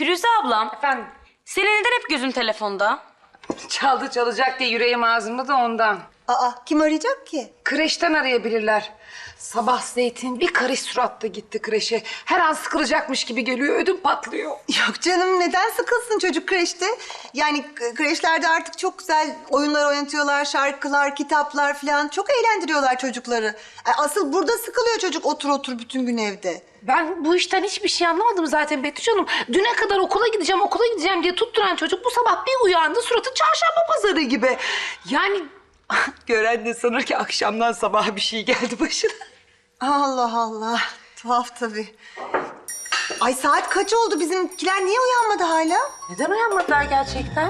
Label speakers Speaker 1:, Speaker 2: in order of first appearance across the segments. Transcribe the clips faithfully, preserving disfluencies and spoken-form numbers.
Speaker 1: Firuze ablam,
Speaker 2: Efendim?
Speaker 1: senin neden hep gözün telefonda?
Speaker 2: Çaldı çalacak diye yüreğim ağzımda da ondan.
Speaker 3: Aa, kim arayacak ki?
Speaker 2: Kreşten arayabilirler. Sabah Zeytin bir karış suratla gitti kreşe. Her an sıkılacakmış gibi geliyor, ödüm patlıyor.
Speaker 3: Yok canım, neden sıkılsın çocuk kreşte? Yani k- kreşlerde artık çok güzel oyunlar oynatıyorlar, şarkılar, kitaplar falan. Çok eğlendiriyorlar çocukları. Ay, asıl burada sıkılıyor çocuk otur otur bütün gün evde.
Speaker 2: Ben bu işten hiçbir şey anlamadım zaten Betüş Hanım. Düne kadar okula gideceğim, okula gideceğim diye tutturan çocuk bu sabah bir uyandı, suratı çarşamba pazarı gibi. Yani gören de sanır ki akşamdan sabaha bir şey geldi başına.
Speaker 3: Allah Allah, tuhaf tabii. Ay saat kaç oldu? Bizimkiler niye uyanmadı hala?
Speaker 2: Neden uyanmadılar gerçekten?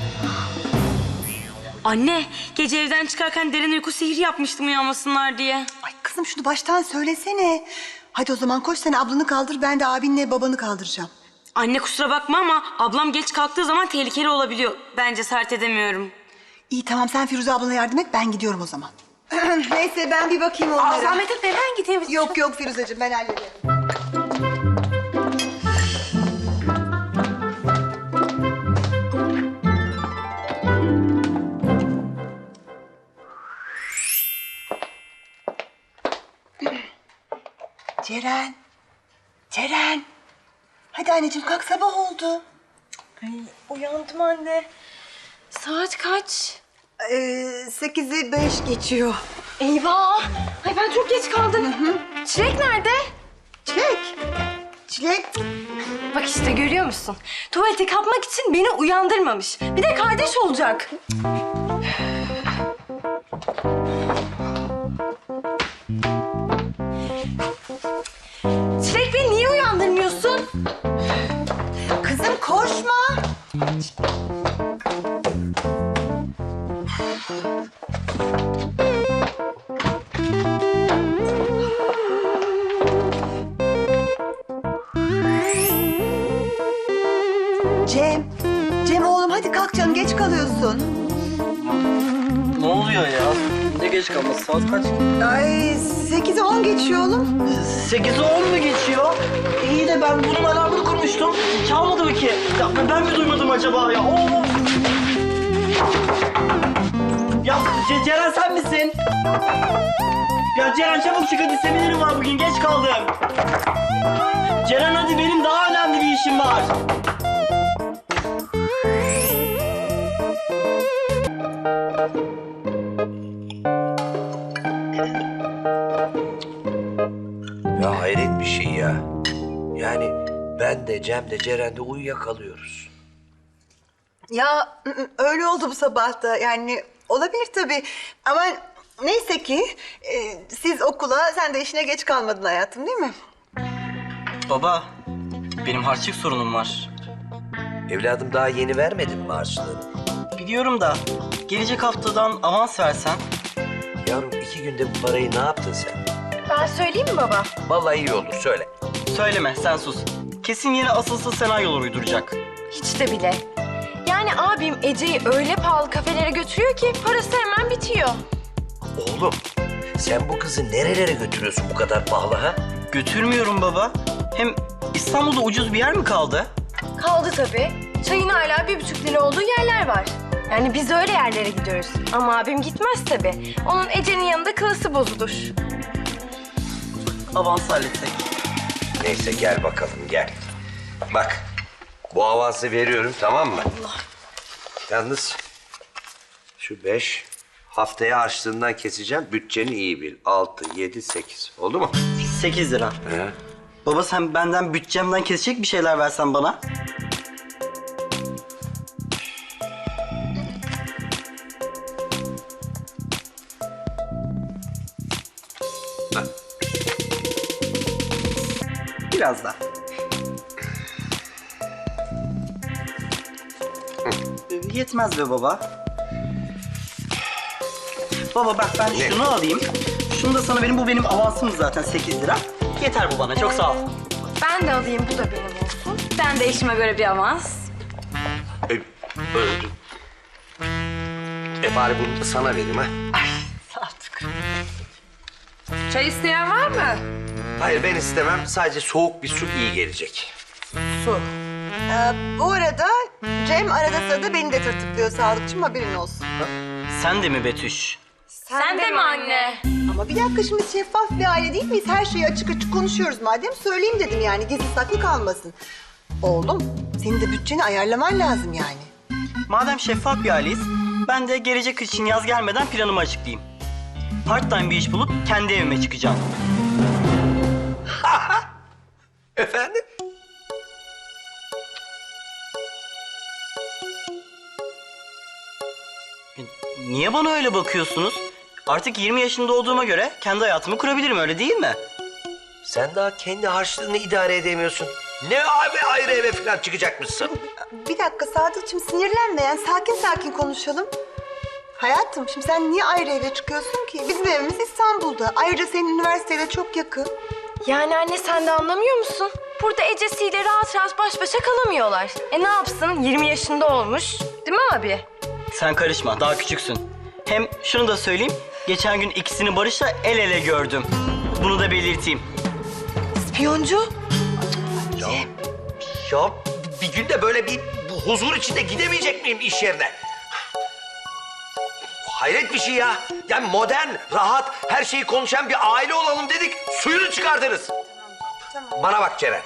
Speaker 1: Anne, gece evden çıkarken derin uyku sihri yapmıştım uyanmasınlar diye.
Speaker 3: Ay kızım şunu baştan söylesene. Hadi o zaman koş sen ablanı kaldır, ben de abinle babanı kaldıracağım.
Speaker 1: Anne kusura bakma ama ablam geç kalktığı zaman tehlikeli olabiliyor. Ben cesaret edemiyorum.
Speaker 3: İyi tamam, sen Firuze ablana yardım et, ben gidiyorum o zaman. Neyse ben bir bakayım onlara.
Speaker 2: Aa, zahmet etme, ben gideyim.
Speaker 3: Yok yok Firuzeciğim, ben hallederim. Ceren. Ceren. Hadi anneciğim kalk, sabah oldu.
Speaker 1: Uyandım anne. Saat kaç?
Speaker 3: Ee, sekizi beş geçiyor.
Speaker 1: Eyvah! Ay ben çok geç kaldım. Çilek nerede?
Speaker 3: Çilek. Çilek.
Speaker 4: Bak işte görüyor musun? Tuvalete kapmak için beni uyandırmamış. Bir de kardeş olacak. Çilek beni niye uyandırmıyorsun?
Speaker 3: Kızım koşma. Cem. Cem oğlum hadi kalk canım, geç kalıyorsun.
Speaker 5: Ne oluyor ya? Ne geç kalması? Saat kaç?
Speaker 3: Ay sekizi on geçiyor oğlum.
Speaker 5: Sekizi on mu geçiyor? İyi de ben bunun alarmını kurmuştum. Çalmadı mı ki? Ya ben mi duymadım acaba ya? Oo! Ya Ce- Ceren sen misin? Ya Ceren çabuk çık hadi, seminerim var bugün, geç kaldım. Ceren hadi, benim daha önemli bir işim var.
Speaker 6: Ya hayret bir şey ya. Yani ben de Cem de Ceren de uyuyakalıyoruz.
Speaker 3: Ya ı- ı, öyle oldu bu sabah da, yani olabilir tabii. Ama neyse ki e, siz okula, sen de işine geç kalmadın hayatım, değil mi?
Speaker 5: Baba, benim harçlık sorunum var.
Speaker 6: Evladım daha yeni vermedin mi harçlığını?
Speaker 5: Biliyorum da gelecek haftadan avans versen.
Speaker 6: Yavrum iki günde bu parayı ne yaptın sen?
Speaker 4: Ben söyleyeyim mi baba?
Speaker 6: Vallahi iyi olur söyle.
Speaker 5: Söyleme, sen sus. Kesin yine asılsız senaryolar uyduracak.
Speaker 4: Hiç de bile. Yani abim Ece'yi öyle pahalı kafelere götürüyor ki parası hemen bitiyor.
Speaker 6: Oğlum sen bu kızı nerelere götürüyorsun bu kadar pahalı ha?
Speaker 5: Götürmüyorum baba. Hem İstanbul'da ucuz bir yer mi kaldı?
Speaker 4: Kaldı tabii. Çayın hala bir buçuk lira olduğu yerler var. Yani biz öyle yerlere gidiyoruz. Ama abim gitmez tabii. Onun Ece'nin yanında klası bozulur.
Speaker 5: Avans halletsek.
Speaker 6: Neyse gel bakalım gel. Bak bu avansı veriyorum tamam mı? Yalnız şu beş haftaya harçlığından keseceğim. Bütçeni iyi bil. Altı, yedi, sekiz. Oldu mu?
Speaker 5: Sekiz lira.
Speaker 6: He.
Speaker 5: Baba sen benden bütçemden kesecek bir şeyler versen bana. Biraz daha. Yetmez be baba. Baba bak ben
Speaker 6: Ne?
Speaker 5: şunu alayım. Şunu da sana benim, bu benim avansım zaten sekiz lira. Yeter bu bana, çok sağ ol.
Speaker 4: Ben de alayım, bu da benim olsun.
Speaker 1: Ben de işime göre bir avans.
Speaker 6: E, öldüm. E bari bunu da sana vereyim ha.
Speaker 2: Çay isteyen var mı?
Speaker 6: Hayır ben istemem. Sadece soğuk bir su iyi gelecek.
Speaker 3: Su. Ee, bu arada Cem arada sırada beni de tırtıklıyor Sadıkçım, haberin olsun.
Speaker 5: Sen de mi Betüş?
Speaker 4: Sen, de mi anne?
Speaker 3: Ama bir dakika, şimdi şeffaf bir aile değil miyiz? Her şeyi açık açık konuşuyoruz madem, söyleyeyim dedim yani, gizli saklı kalmasın. Oğlum, senin de bütçeni ayarlaman lazım yani.
Speaker 5: Madem şeffaf bir aileyiz, ben de gelecek kış için yaz gelmeden planımı açıklayayım. Part time bir iş bulup kendi evime çıkacağım.
Speaker 6: Efendim?
Speaker 5: Niye bana öyle bakıyorsunuz? Artık yirmi yaşında olduğuma göre kendi hayatımı kurabilirim, öyle değil mi?
Speaker 6: Sen daha kendi harçlığını idare edemiyorsun. Ne abi ayrı eve falan çıkacakmışsın?
Speaker 3: Bir dakika Sadıkçım, sinirlenme yani, sakin sakin konuşalım. Hayatım, şimdi sen niye ayrı eve çıkıyorsun ki? Bizim evimiz İstanbul'da. Ayrıca senin üniversiteye çok yakın.
Speaker 4: Yani anne sen de anlamıyor musun? Burada Ecesi'yle rahat rahat baş başa kalamıyorlar. E ne yapsın? yirmi yaşında olmuş. Değil mi abi?
Speaker 5: Sen karışma, daha küçüksün. Hem şunu da söyleyeyim, geçen gün ikisini Barış'la el ele gördüm. Bunu da belirteyim.
Speaker 4: İspiyoncu.
Speaker 6: Ya, ya bir günde böyle bir bu huzur içinde gidemeyecek miyim iş yerine? Hayret bir şey ya. Yani modern, rahat, her şeyi konuşan bir aile olalım dedik. Suyunu çıkardınız.
Speaker 3: Tamam.
Speaker 6: Bana bak Ceren.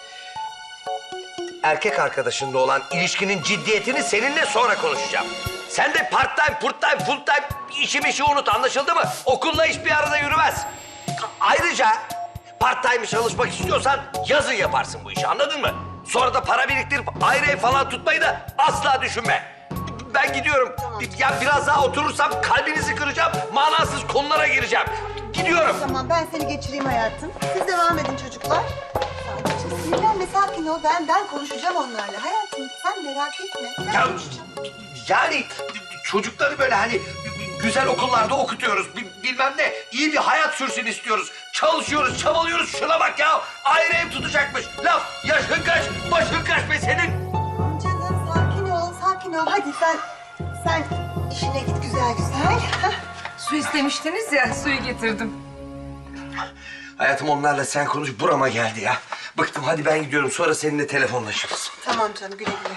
Speaker 6: Erkek arkadaşınla olan ilişkinin ciddiyetini seninle sonra konuşacağım. Sen de part time, purt time, full time işi mişi unut, anlaşıldı mı? Okulla iş bir arada yürümez. Ayrıca part time çalışmak istiyorsan yazın yaparsın bu işi, anladın mı? Sonra da para biriktirip ayrı ev falan tutmayı da asla düşünme. Ben gidiyorum. Ya biraz daha oturursam kalbinizi kıracağım, manasız konulara gireceğim. Gidiyorum.
Speaker 3: Tamam, ben seni geçireyim hayatım. Siz devam edin çocuklar. Sadıkçım, sinirlenme, sakin ol. Ben ben konuşacağım onlarla. Hayatım, sen merak etme.
Speaker 6: Ya yani çocukları böyle hani güzel okullarda okutuyoruz. bi- Bilmem ne, iyi bir hayat sürsün istiyoruz. Çalışıyoruz, çabalıyoruz. Şuna bak ya. Ayrı ev tutacakmış. Laf, yaşın kaç, başın kaç be senin.
Speaker 3: Canım, sakin ol, sakin ol. Hadi sen, sen işine git güzel güzel.
Speaker 2: Su istemiştiniz ya, suyu getirdim.
Speaker 6: Hayatım, onlarla sen konuş, burama geldi ya. Bıktım, hadi ben gidiyorum. Sonra seninle telefonlaşırız.
Speaker 3: Tamam canım, güle güle.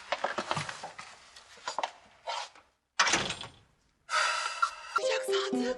Speaker 3: Yapacak Sadık.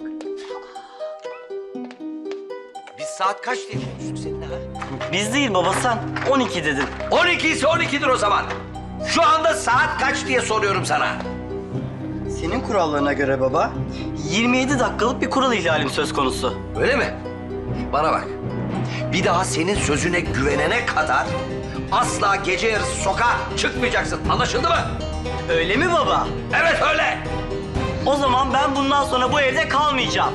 Speaker 6: Biz saat kaç diye konuştuk seninle ha?
Speaker 5: Biz değil baba, sen on iki dedin.
Speaker 6: on iki ise on ikidir o zaman. Şu anda saat kaç diye soruyorum sana.
Speaker 5: Senin kurallarına göre baba, yirmi yedi dakikalık bir kural ihlalim söz konusu.
Speaker 6: Öyle mi? Bana bak. Bir daha senin sözüne güvenene kadar asla gece yarısı sokağa çıkmayacaksın. Anlaşıldı mı?
Speaker 5: Öyle mi baba?
Speaker 6: Evet öyle.
Speaker 5: O zaman ben bundan sonra bu evde kalmayacağım.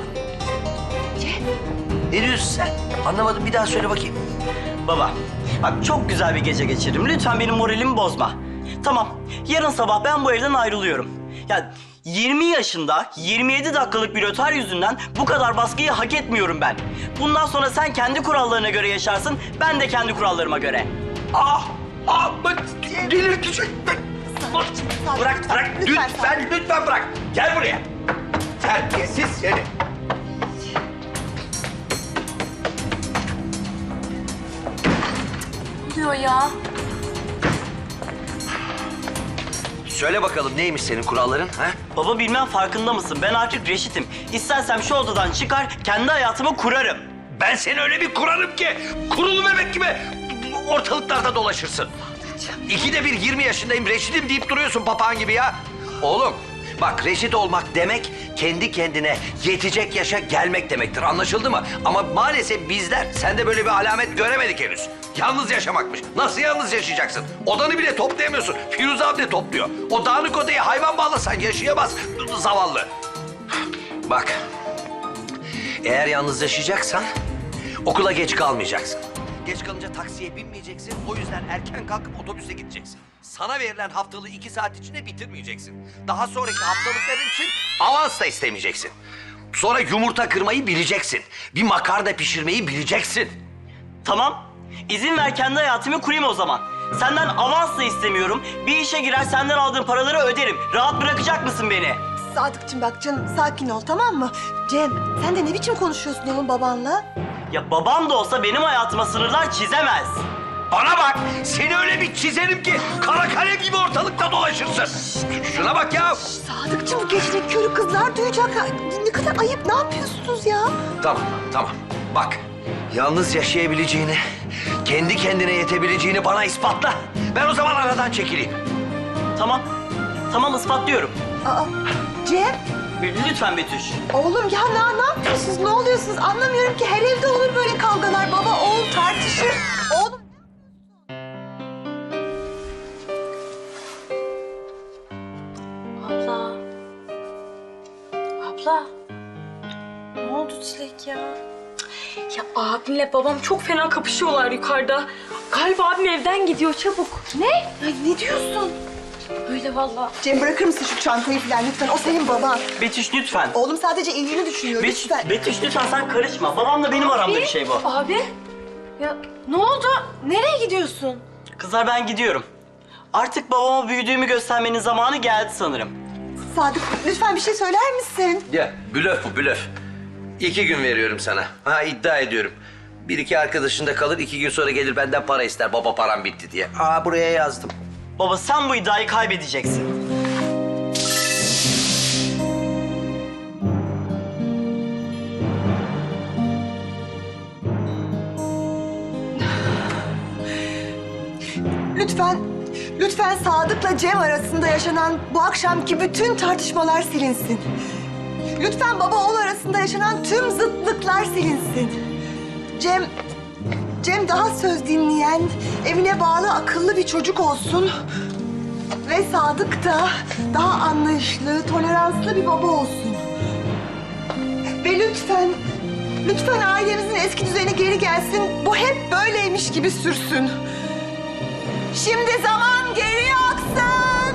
Speaker 6: Ne diyorsun sen? Anlamadım. Bir daha söyle bakayım.
Speaker 5: Baba, bak çok güzel bir gece geçirdim. Lütfen benim moralimi bozma. Tamam, yarın sabah ben bu evden ayrılıyorum. Ya yirmi yaşında, yirmi yedi dakikalık bir rötar yüzünden bu kadar baskıyı hak etmiyorum ben. Bundan sonra sen kendi kurallarına göre yaşarsın, ben de kendi kurallarıma göre.
Speaker 6: Ah! Ah! Bak! Delirtecek!
Speaker 3: Sadık,
Speaker 6: Bırak, bırak!
Speaker 3: lütfen,
Speaker 6: Lütfen, lütfen bırak! Gel buraya! Terbiyesiz seni!
Speaker 1: Ne oluyor ya?
Speaker 6: Söyle bakalım, neymiş senin kuralların? Ha?
Speaker 5: Baba bilmem farkında mısın? Ben artık reşitim. İstersem şu odadan çıkar, kendi hayatımı kurarım.
Speaker 6: Ben seni öyle bir kurarım ki kurulu bebek gibi ortalıklarda dolaşırsın. İkide bir yirmi yaşındayım, reşitim deyip duruyorsun papağan gibi ya. Oğlum bak, reşit olmak demek kendi kendine yetecek yaşa gelmek demektir, anlaşıldı mı? Ama maalesef bizler sende böyle bir alamet göremedik henüz. Yalnız yaşamakmış. Nasıl yalnız yaşayacaksın? Odanı bile toplayamıyorsun. Firuze abla topluyor. O dağınık odayı hayvan bağlasan yaşayamaz zavallı. Bak, eğer yalnız yaşayacaksan okula geç kalmayacaksın. Geç kalınca taksiye binmeyeceksin. O yüzden erken kalkıp otobüse gideceksin. Sana verilen haftalığı iki saat içinde bitirmeyeceksin. Daha sonraki haftalıkların için avans da istemeyeceksin. Sonra yumurta kırmayı bileceksin. Bir makarna pişirmeyi bileceksin.
Speaker 5: Tamam, izin ver kendi hayatımı kurayım o zaman. Senden avans da istemiyorum. Bir işe girer, senden aldığım paraları öderim. Rahat bırakacak mısın beni?
Speaker 3: Sadıkçım bak canım, sakin ol, tamam mı? Cem, sen de ne biçim konuşuyorsun oğlum babanla?
Speaker 5: Ya babam da olsa benim hayatıma sınırlar çizemez.
Speaker 6: Bana bak, seni öyle bir çizerim ki kara kalem gibi ortalıkta dolaşırsın. Ş- Şuna bak ya.
Speaker 3: Sadıkçım, gecenin körü kızlar duyacak. Ne kadar ayıp, ne yapıyorsunuz ya?
Speaker 6: Tamam, tamam. Bak, yalnız yaşayabileceğini, kendi kendine yetebileceğini bana ispatla. Ben o zaman aradan çekileyim.
Speaker 5: Tamam. Tamam ispatlıyorum.
Speaker 3: Aa, Cem,
Speaker 5: Lütfen Betüş.
Speaker 3: oğlum ya ne, ne yapıyorsunuz, ne oluyorsunuz? Anlamıyorum ki, her evde olur böyle kavgalar. Baba, oğul tartışır. Oğlum...
Speaker 1: Abla. Abla. Ne oldu Çilek ya? Ya abimle babam çok fena kapışıyorlar yukarıda. Galiba abim evden gidiyor çabuk.
Speaker 3: Ne? Ay, ne diyorsun?
Speaker 1: Öyle vallahi.
Speaker 3: Cem, bırakır mısın şu çantayı falan lütfen? O senin baban.
Speaker 5: Betüş lütfen.
Speaker 3: Oğlum sadece iyiliğini düşünüyor,
Speaker 5: Betüş,
Speaker 3: lütfen.
Speaker 5: Betüş lütfen sen karışma. Babamla benim aramda bir şey bu.
Speaker 4: Abi? Ya ne oldu? Nereye gidiyorsun?
Speaker 5: Kızlar ben gidiyorum. Artık babama büyüdüğümü göstermenin zamanı geldi sanırım.
Speaker 3: Sadık, lütfen bir şey söyler misin?
Speaker 6: Ya, blöf bu, blöf. İki gün veriyorum sana. Ha, iddia ediyorum. Bir iki arkadaşın da kalır, iki gün sonra gelir benden para ister. Baba param bitti diye. Aa, buraya yazdım.
Speaker 5: Baba sen bu iddiayı kaybedeceksin.
Speaker 3: Lütfen, lütfen Sadık'la Cem arasında yaşanan bu akşamki bütün tartışmalar silinsin. Lütfen baba oğul arasında yaşanan tüm zıtlıklar silinsin. Cem, Cem daha söz dinleyen, evine bağlı akıllı bir çocuk olsun. Ve Sadık da daha anlayışlı, toleranslı bir baba olsun. Ve lütfen, lütfen ailemizin eski düzeni geri gelsin. Bu hep böyleymiş gibi sürsün. Şimdi zaman geri aksın.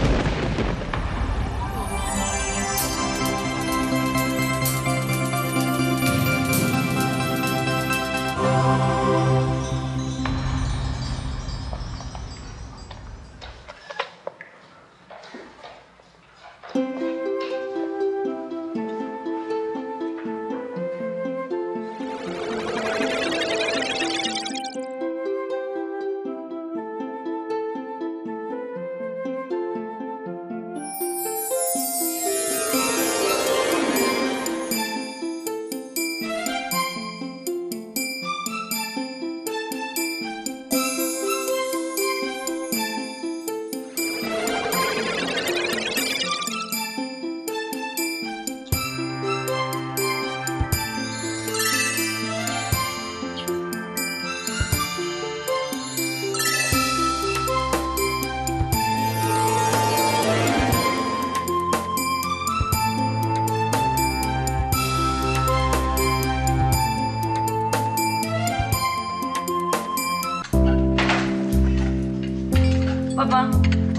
Speaker 1: Baba.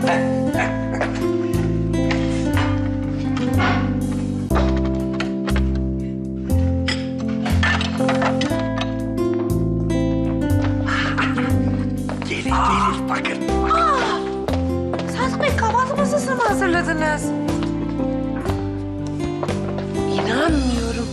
Speaker 6: Gelir, gelir, bakın.
Speaker 2: Sadık Bey, kahvaltı masasını mı hazırladınız? İnanmıyorum.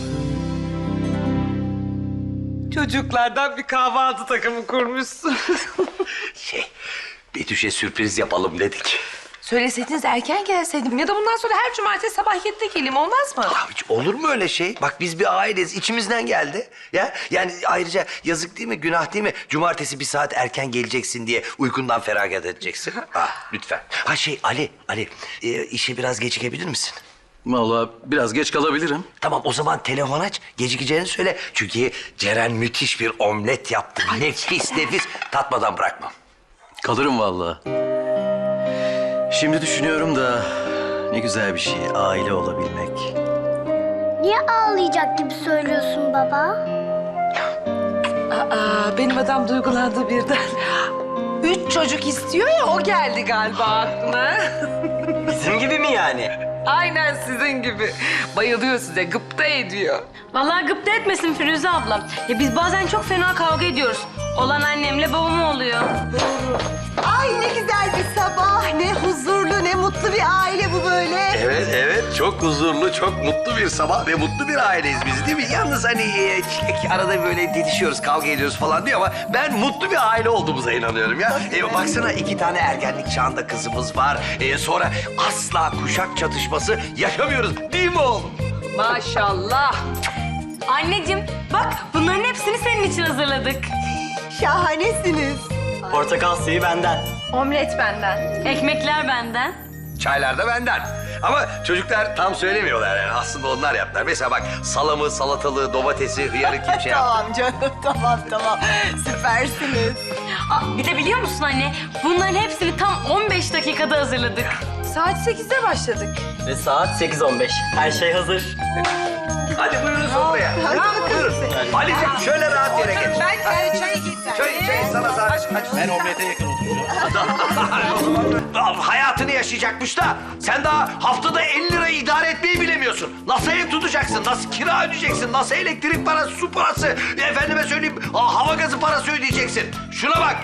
Speaker 2: Çocuklardan bir kahvaltı takımı kurmuşsun.
Speaker 6: Şey, Betüş'e sürpriz yapalım dedik.
Speaker 2: Söyleseydiniz erken gelseydim ya da bundan sonra her cumartesi sabah yedide geleyim, olmaz mı?
Speaker 6: Ya hiç olur mu öyle şey? Bak biz bir aileyiz, içimizden geldi. Ya yani ayrıca yazık değil mi, günah değil mi? Cumartesi bir saat erken geleceksin diye uykundan feragat edeceksin. Ah, lütfen. Ha şey Ali, Ali e, işe biraz gecikebilir misin?
Speaker 7: Vallahi biraz geç kalabilirim.
Speaker 6: Tamam o zaman telefon aç, gecikeceğini söyle. Çünkü Ceren müthiş bir omlet yaptı. Nefis nefis, tatmadan bırakmam.
Speaker 7: Kalırım vallahi. Şimdi düşünüyorum da ne güzel bir şey aile olabilmek.
Speaker 8: Niye ağlayacak gibi söylüyorsun baba?
Speaker 2: Aa, benim adam duygulandı birden. Üç çocuk istiyor ya, o geldi galiba aklına.
Speaker 5: Bizim gibi mi yani?
Speaker 2: Aynen sizin gibi. Bayılıyor size, gıpta ediyor.
Speaker 1: Vallahi gıpta etmesin Firuze ablam. Ya biz bazen çok fena kavga ediyoruz. Olan annemle babam oluyor.
Speaker 3: Ay ne güzel bir sabah, ne huzurlu, ne mutlu. mutlu bir aile bu böyle.
Speaker 6: Evet evet çok huzurlu, çok mutlu bir sabah ve mutlu bir aileyiz biz değil mi? Yalnız hani e, Çilek arada böyle didişiyoruz, kavga ediyoruz falan diyor ama ben mutlu bir aile olduğumuza inanıyorum ya. E, baksana iki tane ergenlik çağında kızımız var. E, sonra asla kuşak çatışması yaşamıyoruz değil mi oğlum?
Speaker 2: Maşallah.
Speaker 1: Anneciğim bak bunların hepsini senin için hazırladık.
Speaker 3: Şahanesiniz.
Speaker 5: Portakal suyu benden.
Speaker 4: Omlet benden.
Speaker 1: Ekmekler benden.
Speaker 6: Çaylar da benden. Ama çocuklar tam söylemiyorlar yani. Aslında onlar yaptılar. Mesela bak salamı, salatalığı, domatesi, hıyarı kim şey yaptı?
Speaker 3: Tamam canım, tamam tamam. Süpersiniz.
Speaker 1: Aa, bir de biliyor musun anne bunların hepsini tam on beş dakikada hazırladık.
Speaker 4: Saat sekizde başladık.
Speaker 5: Ve saat sekiz on beş. Her şey hazır.
Speaker 6: Hadi buyurun sofraya.
Speaker 3: Hadi bakalım.
Speaker 6: Buyurun. Ali'cim şöyle rahat yere geç.
Speaker 2: Ben e, çayı getireyim.
Speaker 6: Çay, çay sana zahmet.
Speaker 7: Ben omlete yakın oturacağım.
Speaker 6: Hayatını yaşayacakmış da sen daha haftada elli lirayı idare etmeyi bilemiyorsun. Nasıl ev tutacaksın, nasıl kira ödeyeceksin, nasıl elektrik parası, su parası, efendime söyleyeyim aa, hava gazı parası ödeyeceksin. Şuna bak.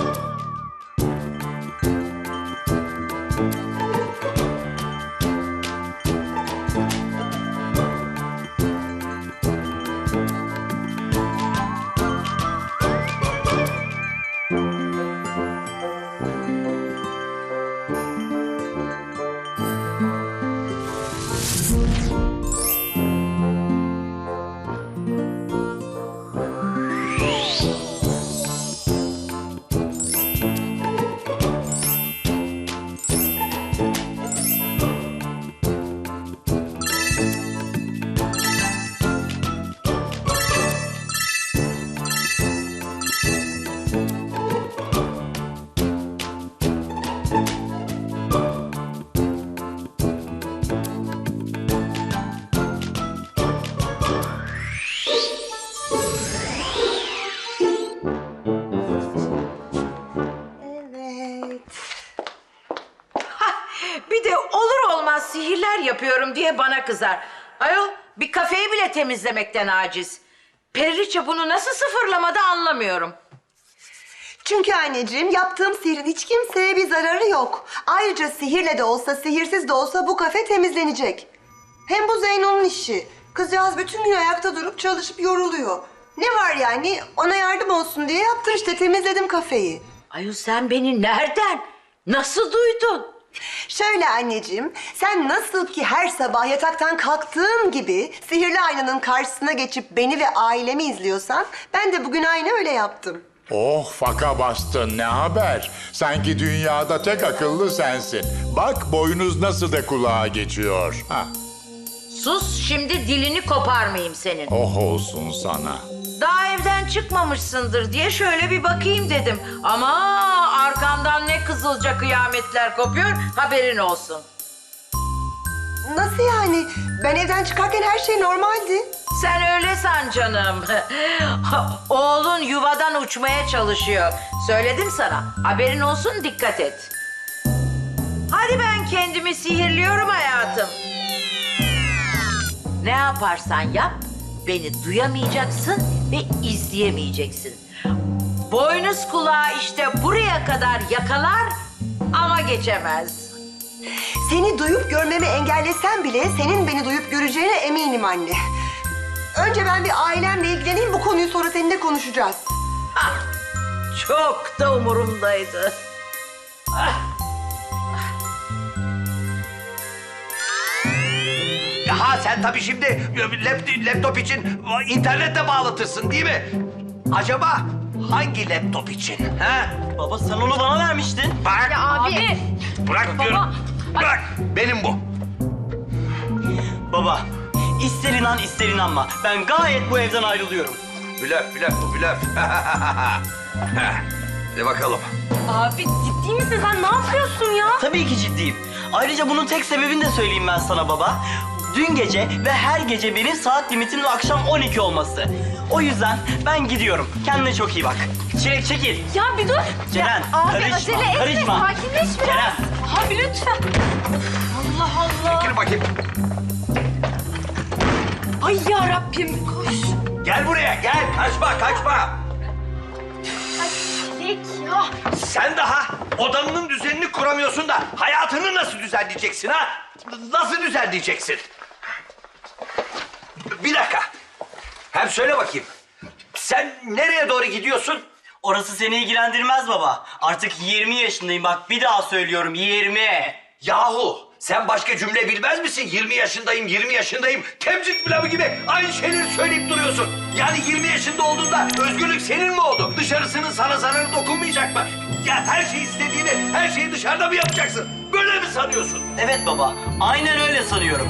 Speaker 3: Evet.
Speaker 2: Bir de olur olmaz sihirler yapıyorum diye bana kızar. Ayol bir kafeyi bile temizlemekten aciz. Periliçe bunu nasıl sıfırlamadı anlamıyorum.
Speaker 3: Çünkü anneciğim yaptığım sihirin hiç kimseye bir zararı yok. Ayrıca sihirle de olsa, sihirsiz de olsa bu kafe temizlenecek. Hem bu Zeyno'nun işi. Kızcağız bütün gün ayakta durup çalışıp yoruluyor. Ne var yani? Ona yardım olsun diye yaptım işte, temizledim kafeyi.
Speaker 2: Ayol sen beni nereden, nasıl duydun?
Speaker 3: Şöyle anneciğim, sen nasıl ki her sabah yataktan kalktığın gibi sihirli aynanın karşısına geçip beni ve ailemi izliyorsan, ben de bugün aynı öyle yaptım.
Speaker 9: Oh faka bastın ne haber? Sanki dünyada tek akıllı sensin. Bak boynuz nasıl da kulağa geçiyor. Ha.
Speaker 2: Sus şimdi dilini koparmayayım senin.
Speaker 9: Oh olsun sana.
Speaker 2: Daha evden çıkmamışsındır diye şöyle bir bakayım dedim. Ama arkamdan ne kızılca kıyametler kopuyor haberin olsun.
Speaker 3: Nasıl yani? Ben evden çıkarken her şey normaldi.
Speaker 2: Sen öyle san canım. Oğlun yuvadan uçmaya çalışıyor. Söyledim sana. Haberin olsun dikkat et. Hadi ben kendimi sihirliyorum hayatım. Ne yaparsan yap beni duyamayacaksın ve izleyemeyeceksin. Boynuz kulağı işte buraya kadar yakalar ama geçemez.
Speaker 3: Seni duyup görmemi engellesen bile senin beni duyup göreceğine eminim anne. Önce ben bir ailemle ilgileneyim, bu konuyu sonra seninle konuşacağız.
Speaker 2: Ah, çok da umurumdaydı. Ah.
Speaker 6: Ha sen tabii şimdi lap- laptop için internetle bağlatırsın değil mi? Acaba hangi laptop için? Ha?
Speaker 5: Baba sen onu bana vermiştin.
Speaker 6: Bak.
Speaker 1: Abi.
Speaker 6: Bırak diyorum. Bırak. Benim bu.
Speaker 5: Baba ister inan ister inanma. Ben gayet bu evden ayrılıyorum.
Speaker 6: Blöf, blöf bu blöf. Hadi bakalım.
Speaker 1: Abi ciddi misin sen ne yapıyorsun ya?
Speaker 5: Tabii ki ciddiyim. Ayrıca bunun tek sebebini de söyleyeyim ben sana baba. Dün gece ve her gece benim saat limitinin akşam on iki olması. O yüzden ben gidiyorum. Kendine çok iyi bak. Çilek çekil.
Speaker 1: Ya bir dur.
Speaker 5: Ceren
Speaker 1: Abi
Speaker 5: karışma.
Speaker 1: acele etme
Speaker 5: karışma.
Speaker 1: sakinleş biraz.
Speaker 5: Ceren.
Speaker 1: Abi lütfen. Allah Allah.
Speaker 6: Gel bakayım.
Speaker 1: Ay ya Rabbim koş.
Speaker 6: Gel buraya gel. Kaçma kaçma.
Speaker 1: Çilek ya.
Speaker 6: Sen daha Odanın düzenini kuramıyorsun da hayatını nasıl düzenleyeceksin ha? Nasıl düzenleyeceksin? Bir dakika. Hem söyle bakayım. Sen nereye doğru gidiyorsun?
Speaker 5: Orası seni ilgilendirmez baba. Artık yirmi yaşındayım bak bir daha söylüyorum yirmi.
Speaker 6: Yahu sen başka cümle bilmez misin? yirmi yaşındayım, yirmi yaşındayım. Temcik pilavı gibi aynı şeyleri söyleyip duruyorsun. Yani yirmi yaşında olduğunda özgürlük senin mi oldu? Dışarısının sana zararı dokunmayacak mı? Ya her şeyi istediğini, her şeyi dışarıda mı yapacaksın? Böyle mi sanıyorsun?
Speaker 5: Evet baba aynen öyle sanıyorum.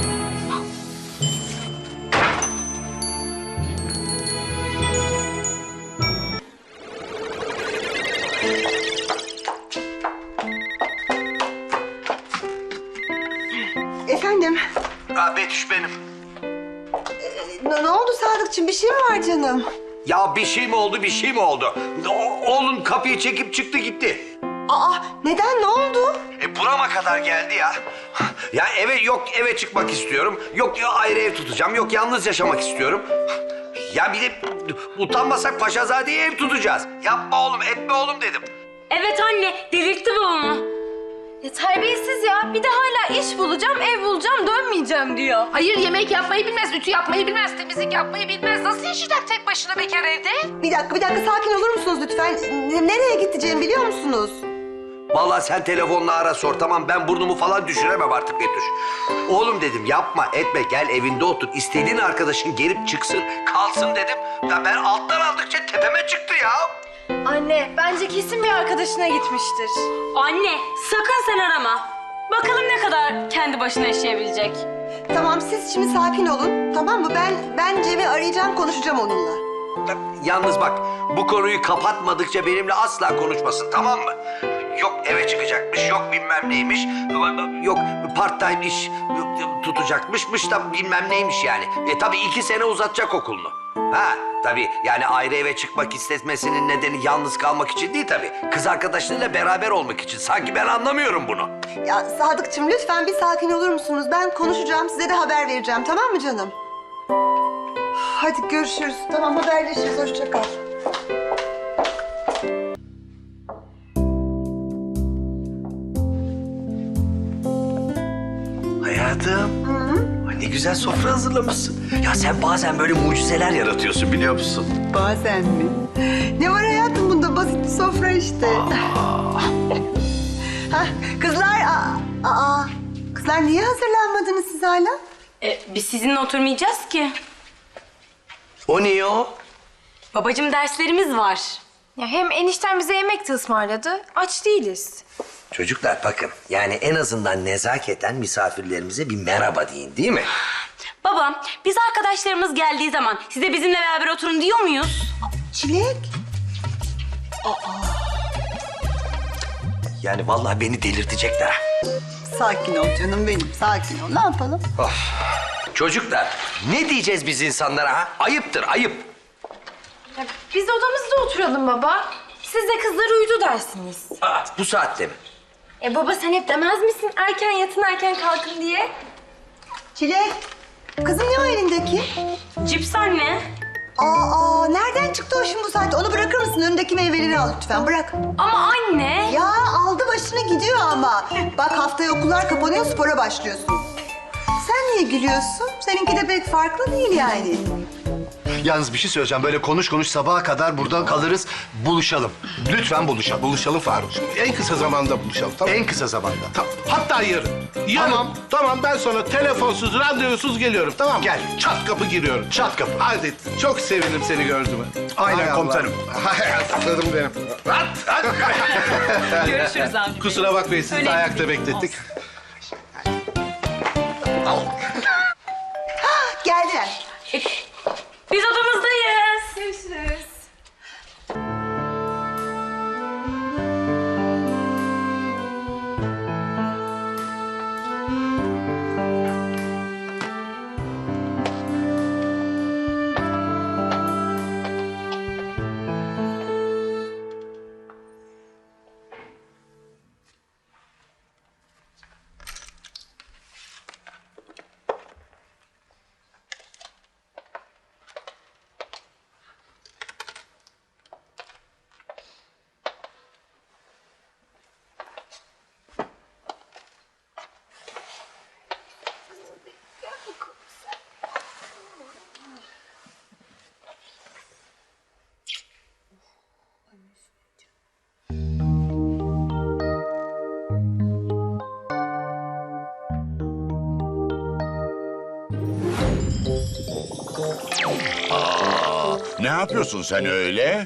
Speaker 3: Efendim,
Speaker 6: Ha Betüş benim.
Speaker 3: ne, ne oldu Sadıkçım? Bir şey mi var canım?
Speaker 6: Ya bir şey mi oldu, bir şey mi oldu? O- oğlun kapıyı çekip çıktı gitti.
Speaker 3: Aa, neden? Ne oldu?
Speaker 6: E burama kadar geldi ya. Ya eve yok eve çıkmak istiyorum. Yok ya ayrı ev tutacağım. Yok yalnız yaşamak istiyorum. Ya bir de utanmasak Paşazade'ye ev tutacağız. Yapma oğlum etme oğlum dedim.
Speaker 1: Evet anne delirtti babamı.
Speaker 4: Ya terbiyesiz ya. Bir de hala iş bulacağım, ev bulacağım, dönmeyeceğim diyor.
Speaker 2: Hayır yemek yapmayı bilmez, ütü yapmayı bilmez, temizlik yapmayı bilmez. Nasıl yaşayacak tek başına bekar evde?
Speaker 3: Bir dakika, bir dakika sakin olur musunuz lütfen? N- nereye gideceğimi biliyor musunuz?
Speaker 6: Vallahi sen telefonla ara sor tamam ben burnumu falan düşüremem artık Betüş. Oğlum dedim yapma etme gel evinde otur. İstediğin arkadaşın gelip çıksın kalsın dedim. Ya ben alttan aldıkça tepeme çıktı ya.
Speaker 4: Anne, bence kesin bir arkadaşına gitmiştir.
Speaker 1: Anne sakın sen arama. Bakalım ne kadar kendi başına yaşayabilecek.
Speaker 3: Tamam, siz şimdi sakin olun, tamam mı? Ben ben Cem'i arayacağım, konuşacağım onunla.
Speaker 6: Yalnız bak bu konuyu kapatmadıkça benimle asla konuşmasın tamam mı? Yok eve çıkacakmış, yok bilmem neymiş, yok part time iş tutacakmışmış da bilmem neymiş yani. E tabii iki sene uzatacak okulunu. Ha tabii yani ayrı eve çıkmak istemesinin nedeni yalnız kalmak için değil tabii. Kız arkadaşlarıyla beraber olmak için. Sanki ben anlamıyorum bunu.
Speaker 3: Ya Sadıkçım lütfen bir sakin olur musunuz? Ben konuşacağım, size de haber vereceğim, tamam mı canım? Hadi görüşürüz. Tamam, haberleşiriz. Hoşça kal.
Speaker 6: Hayatım. Ay ne güzel sofra hazırlamışsın. Ya sen bazen böyle mucizeler yaratıyorsun biliyor musun?
Speaker 3: Bazen mi? Ne var hayatım bunda? Basit bir sofra işte. Hah, kızlar, aa, aa, kızlar niye hazırlanmadınız siz hala?
Speaker 1: E, biz sizinle oturmayacağız ki.
Speaker 6: O niye o?
Speaker 1: Babacığım derslerimiz var.
Speaker 4: Ya hem enişten bize yemek de ısmarladı. Aç değiliz.
Speaker 6: Çocuklar bakın yani en azından nezaketen misafirlerimize bir merhaba deyin değil mi?
Speaker 1: Babam biz arkadaşlarımız geldiği zaman size bizimle beraber oturun diyor muyuz?
Speaker 3: Çilek.
Speaker 6: Yani vallahi beni delirtecekler.
Speaker 3: Sakin ol canım benim, sakin ol. Ne yapalım?
Speaker 6: Çocuklar ne diyeceğiz biz insanlara ha? Ayıptır ayıp.
Speaker 4: Ya biz odamızda oturalım baba. Siz de kızlar uyudu dersiniz.
Speaker 6: Aa, bu saatte mi?
Speaker 4: E baba sen hep demez misin erken yatın erken kalkın diye?
Speaker 3: Çilek. Kızım ne o elindeki?
Speaker 1: Cips anne.
Speaker 3: Aa, aa, nereden çıktı o şimdi bu saatte? Onu bırakır mısın? Önündeki meyveleri al lütfen, bırak.
Speaker 1: Ama anne.
Speaker 3: Ya aldı başını gidiyor ama. Bak haftaya okullar kapanıyor, spora başlıyorsun. Sen niye gülüyorsun? Seninki de pek farklı değil yani.
Speaker 10: Yalnız bir şey söyleyeceğim. Böyle konuş konuş sabaha kadar burada kalırız. Buluşalım. Lütfen buluşalım.
Speaker 11: Buluşalım Faruk'cum. En kısa zamanda buluşalım tamam mı?
Speaker 10: En kısa zamanda.
Speaker 11: Ta- Hatta yarın. Yarın.
Speaker 10: Tamam.
Speaker 11: Tamam ben sonra telefonsuz, randevusuz geliyorum tamam mı?
Speaker 10: Gel.
Speaker 11: Çat kapı giriyorum.
Speaker 10: Çat kapı.
Speaker 11: Hadi çok sevindim seni gördüğüme.
Speaker 10: Aynen
Speaker 11: Hay Allah.
Speaker 10: komutanım.
Speaker 11: Hayatlarım benim. At, at.
Speaker 1: Görüşürüz abi.
Speaker 11: Kusura bakmayın sizi de ayakta beklettik.
Speaker 3: Geldiler.
Speaker 1: Biz odamızdayız. Görüşürüz.
Speaker 9: Aa, ne yapıyorsun sen öyle?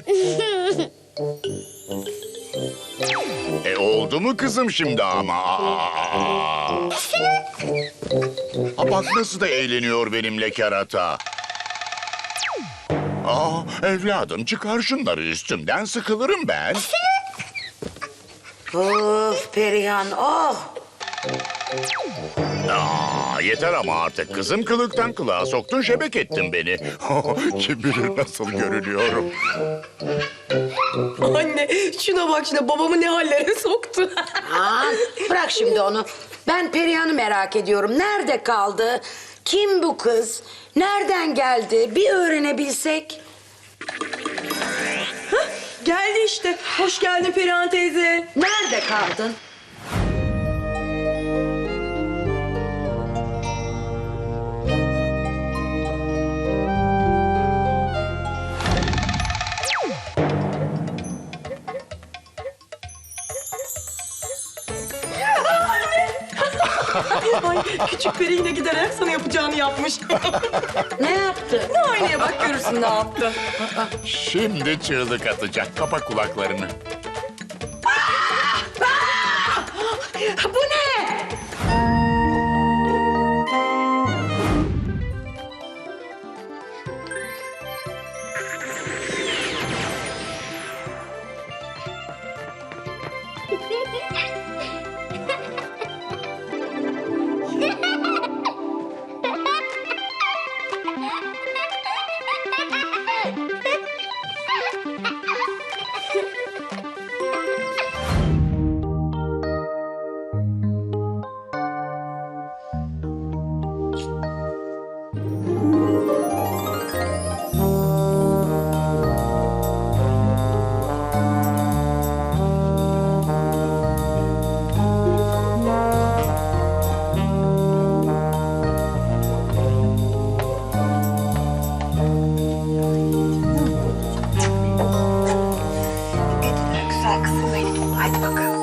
Speaker 9: E oldu mu kızım şimdi ama? Aa. Aa, bak nasıl da eğleniyor benimle kerata. Aa, evladım çıkar şunları üstümden, sıkılırım ben.
Speaker 2: Of Perihan, oh!
Speaker 9: Aa, yeter ama artık kızım, kılıktan kılığa soktun, şebek ettin beni. Kim bilir nasıl görünüyorum.
Speaker 1: Anne şuna bak şuna babamı ne hallere soktu.
Speaker 2: Aman bırak şimdi onu. Ben Perihan'ı merak ediyorum. Nerede kaldı? Kim bu kız? Nereden geldi? Bir öğrenebilsek.
Speaker 1: Geldi işte. Hoş geldin Perihan teyze.
Speaker 2: Nerede kaldın?
Speaker 1: Ay küçük peri yine giderek sana yapacağını yapmış.
Speaker 2: Ne yaptı?
Speaker 1: Aynaya bak görürsün ne yaptı.
Speaker 9: Şimdi çığlık atacak, kapa kulaklarını.
Speaker 2: Bu ne?
Speaker 3: Güzel kızım benim. Hadi bakalım.